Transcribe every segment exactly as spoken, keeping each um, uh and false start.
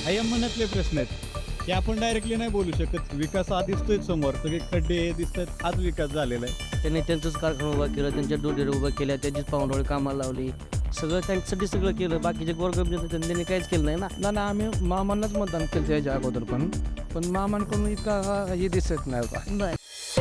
हा या मनातले प्रश्न आहेत की आपण डायरेक्टली नाही बोलू शकत. विकास हा दिसतोय समोर, सगळे खड्डे हे दिसतात, हाच विकास झालेला आहे. त्यांनी त्यांचंच कारखाना उभा केला, त्यांच्या डोडेर उभा केल्या, त्यांचीच पाहुणवळ कामाला लावली, सगळं त्यांच्यासाठी सगळं केलं. बाकीचे गोरगरीब त्यांनी काहीच केलं नाही ना. ना ना आम्ही मामांनाच मतदान केलं त्याच्या अगोदर पण पण मामांकडून इतका हा- हे दिसत नाही होता. बर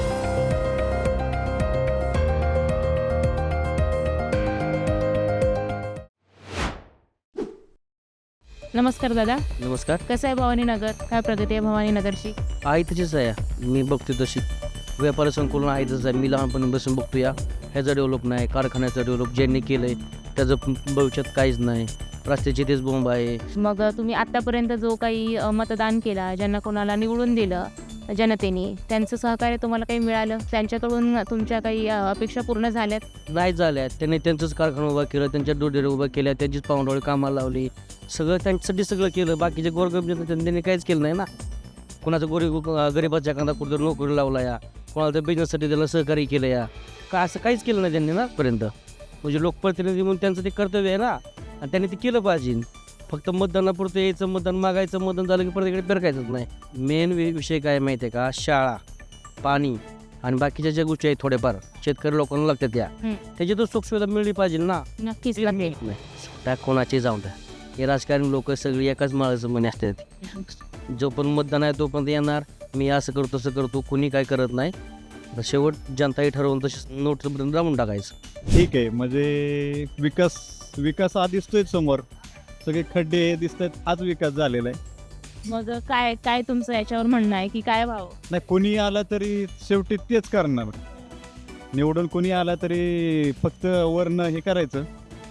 नमस्कार दादा, नमस्कार. कसं आहे भवानी नगर? काय प्रगती आहे भवानी नगरची? आई तशीच आहे, मी बघतो तशी. व्यापार संकुलन आहे तसंच आहे. मी लहानपणी बसून बघतो या ह्याचं डेव्हलप नाही, कारखान्याचं डेव्हलप ज्यांनी केलं आहे त्याचं भविष्यात काहीच नाही. रस्त्याची तेच बोंब आहे. मग अ, तुम्ही आत्तापर्यंत जो काही अ, मतदान केला, ज्यांना कोणाला निवडून दिलं जनतेने, त्यांचं सहकार्य तुम्हाला काही मिळालं? त्यांच्याकडून तुमच्या काही अ, अपेक्षा पूर्ण झाल्यात? नाही झाल्या. त्यांनी त्यांचंच कारखाना उभा केला, त्यांच्या डोडेर उभा केल्या, त्यांचीच पाहुणवळ कामाला लावली, सगळं त्यांच्यासाठी सगळं केलं. बाकीचे गोरगरीब त्यांनी काहीच केलं नाही ना. कोणाचं गरीब गरीबाच्या एखादा कुठं नोकरी लावला या, कोणाला तर बिझनेससाठी त्याला सहकार्य केलं या, का असं काहीच केलं नाही त्यांनी ना पर्यंत. म्हणजे लोकप्रतिनिधी म्हणून त्यांचं ते कर्तव्य आहे ना, आणि त्यांनी ते केलं पाहिजे. फक्त मतदानापुरतं यायचं, मतदान मागायचं, मतदान झालं की प्रत्येकडे फिरकायचंच नाही. मेन विषय काय माहिती आहे का? शाळा, पाणी आणि बाकीच्या ज्या गोष्टी आहेत थोड्याफार शेतकरी लोकांना लागतात त्या, हं. त्याची तर सुखसुविधा मिळली पाहिजे ना. नक्कीच लागेल. नाही त्या कोणाचे जाऊन द्या. हे राजकारणी लोक सगळी एकाच माळाचं म्हणे असतात. जो पण मतदान आहे तो पण येणार, मी असं करतो तसं करतो, कुणी काय करत नाही. तर शेवट जनताही ठरवून तशी नोटपर्यंत लावून टाकायचं. ठीक आहे, म्हणजे विकास विकास हा दिसतोय समोर, सगळे खड्डे हे दिसतात, हाच विकास झालेला आहे. मग काय काय तुमचं याच्यावर म्हणणं आहे की काय व्हावं? नाही, कोणी आला तरी शेवटी तेच करणार. निवडून कोणी आला तरी फक्त वरनं हे करायचं.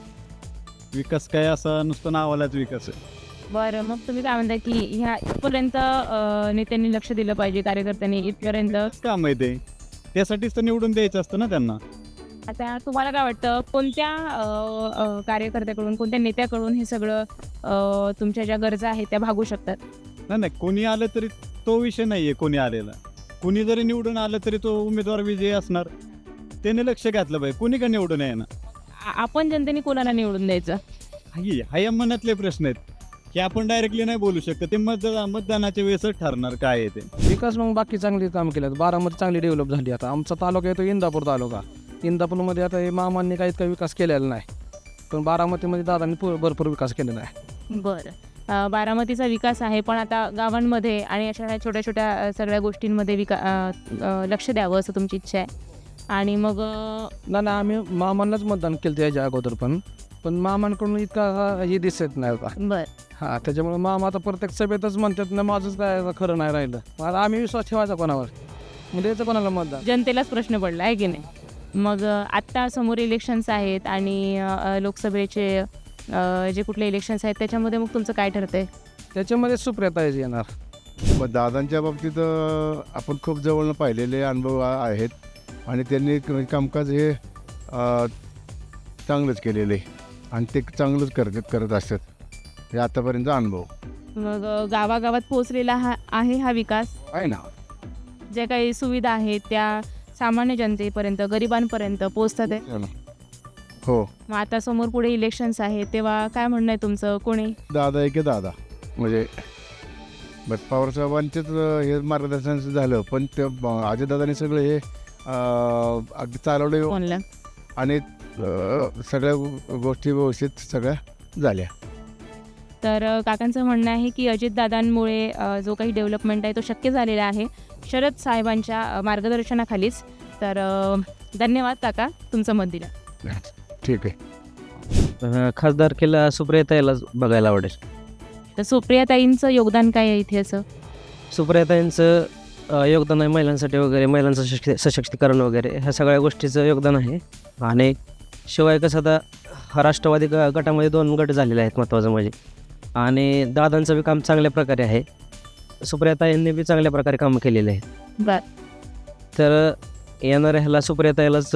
विकास काय असा नुसतं नावालाच विकास आहे. बरं, मग तुम्ही काय म्हणता की ह्या इथपर्यंत अ, नेत्यांनी लक्ष दिलं पाहिजे, कार्यकर्त्यांनी इथपर्यंत? काम आहे ते, त्यासाठीच तर निवडून द्यायचं असतं ना त्यांना. आता तुम्हाला काय वाटतं, कोणत्या अ, अ, कार्यकर्त्याकडून, कोणत्या नेत्याकडून हे सगळं अ, तुमच्या ज्या गरजा आहेत त्या भागू शकतात? नाही नाही, कोणी आलं तरी तो विषय नाही आहे. कोणी आलेला, कोणी जरी निवडून आलं तरी तो उमेदवार विजयी असणार. त्याने लक्ष घातलं पाहिजे, कोणी का निवडून आहे ना. आ- आपण जनतेने कोणाला निवडून द्यायचं? हाही हा या मनातले प्रश्न आहेत की आपण डायरेक्टली नाही बोलू शकत. ते मतदान मतदानाच्या वेळेसच ठरणार काय आहे ते. विकास मग बाकी चांगली काम केलं. बारामती चांगली डेव्हलप झाली. आता आमचा तालुका येतो इंदापूर तालुका. इंदापूरमध्ये आता हे मामांनी काही इतका विकास केलेला नाही, पण बारामतीमध्ये दादांनी पू- भरपूर विकास केलेला आहे. बरं, अ, बारामतीचा विकास आहे, पण आता गावांमध्ये आणि अशा ह्या छोट्या छोट्या अ, सगळ्या गोष्टींमध्ये विका अ, अ, लक्ष द्यावं असं तुमची इच्छा आहे. आणि मग अ, ना ना आम्ही मामांनाच मतदान केलं त्याच्या अगोदर पण पण मामांकडून इतका हा- हे दिसत नाही होता. बरं, हां, त्याच्यामुळे मामा आता प्रत्येक सभेतच म्हणतात ना, माझंच काय खरं नाही राहिलं. मग आता आम्ही विश्वास ठेवायचा कोणावर? म्हणजे याचं कोणाला मतदान? जनतेलाच प्रश्न पडला आहे की नाही? मग अ, आत्ता समोर इलेक्शन्स आहेत आणि अ, लोकसभेचे अ, जे कुठले इलेक्शन्स आहेत त्याच्यामध्ये मग तुमचं काय ठरतंय? त्याच्यामध्ये सुप्रियाताईच येणार. मग दादांच्या बाबतीत अ, आपण खूप जवळनं पाहिलेले अनुभव आ- आहेत आणि त्यांनी क- कामकाज हे अ, चांगलंच केलेलं आहे आणि ते चांगलंच करत करत असतात. हे आतापर्यंतचा अनुभव मग अ, गावागावात पोहोचलेला हा आहे हा विकास. आहे ना. ज्या काही सुविधा आहेत त्या सामान्य जनतेपर्यंत, गरिबांपर्यंत पोहोचतात आहे. हो ना. हो, मग आता समोर पुढे इलेक्शन्स आहेत, तेव्हा काय म्हणणं आहे तुमचं? कोणी दादा आहे की दादा म्हणजे बट पवारसाहेबांचेच अ, हे मार्गदर्शन झालं, पण ते अजयदादांनी सगळं हे अ, अगदी चालवले कोणला? आणि अ, सगळ्या गो- गोष्टी व्यवस्थित सगळ्या झाल्या. तर अ, काकांचं म्हणणं आहे की अजितदादांमुळे अ, जो काही डेव्हलपमेंट आहे तो शक्य झालेला आहे शरद साहेबांच्या अ, मार्गदर्शनाखालीच. तर अ, धन्यवाद काका, तुमचं मत दिलं. ठीक आहे. अं, खासदारकीला सुप्रियाताईलाच बघायला आवडेल. तर सुप्रियाताईंचं योगदान काय आहे इथे असं? सुप्रियाताईंचं अं, योगदान आहे महिलांसाठी वगैरे, महिलांचं सशक्ती सशक्तीकरण वगैरे ह्या सगळ्या गोष्टीचं योगदान आहे. आणि शिवाय कसं आता हा राष्ट्रवादी ग गटामध्ये दोन गट झालेले आहेत महत्त्वाचं म्हणजे, आणि दादांचं बी काम चांगल्या प्रकारे आहे. सुप्रियाताईंनी बी चांगल्या प्रकारे कामं केलेले आहेत. बर, तर येणाऱ्या ह्याला सुप्रियाताईलाच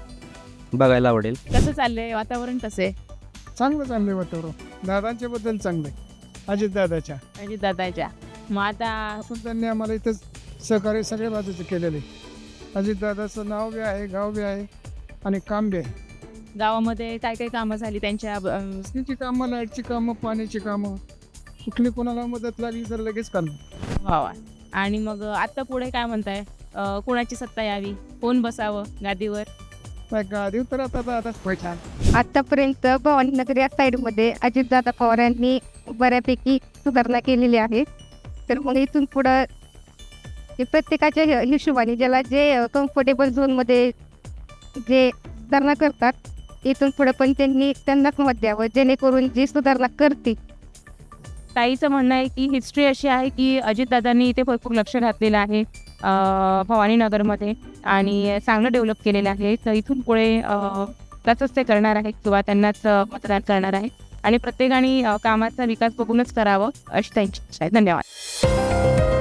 बघायला आवडेल. कसं चाललंय वातावरण, कसं आहे चांगलं चांगलं वातावरण. दादांच्याबद्दल चांगलं आहे, अजितदादाच्या. अजितदादाच्या? मग आता पण त्यांनी आम्हाला इथं सहकार्य सगळ्या बाजूचं केलेलं आहे. अजितदादाचं नाव बी आहे, गाव बी आहे आणि काम बी आहे. गावामध्ये काय काय कामं झाली त्यांच्या अ, रस्त्याची कामं, लाईटची कामं, पाण्याची कामं कुठली कोणाला मदत लागली तर लगेच करणार. वा. आणि मग आता पुढे काय म्हणताय? अ, कोणाची सत्ता यावी, कोण बसावं गादीवर? नाही गादी तर आता दादाच पैसा. आतापर्यंत भवानीनगर या साईडमध्ये अजितदादा पवार यांनी बऱ्यापैकी सुधारणा केलेली आहे. तर मग इथून पुढं ते प्रत्येकाच्या हि- हिशोबाने ज्याला जे कम्फर्टेबल झोनमध्ये जे सुधारणा करतात, इथून पुढं पण त्यांनी त्यांनाच मत द्यावं, जेणेकरून जी सुधारणा करतील. ताईचं म्हणणं आहे की हिस्ट्री अशी आहे की अजितदादांनी इथे भरपूर लक्ष घातलेलं आहे अ, भवानीनगरमध्ये आणि चांगलं डेव्हलप केलेलं आहे. तर इथून पुढे अ, तसंच ते करणार आहेत किंवा त्यांनाच अ, मतदान करणार आहे आणि प्रत्येकाने अ, कामाचा विकास बघूनच करावं अशी त्यांची इच्छा आहे. धन्यवाद.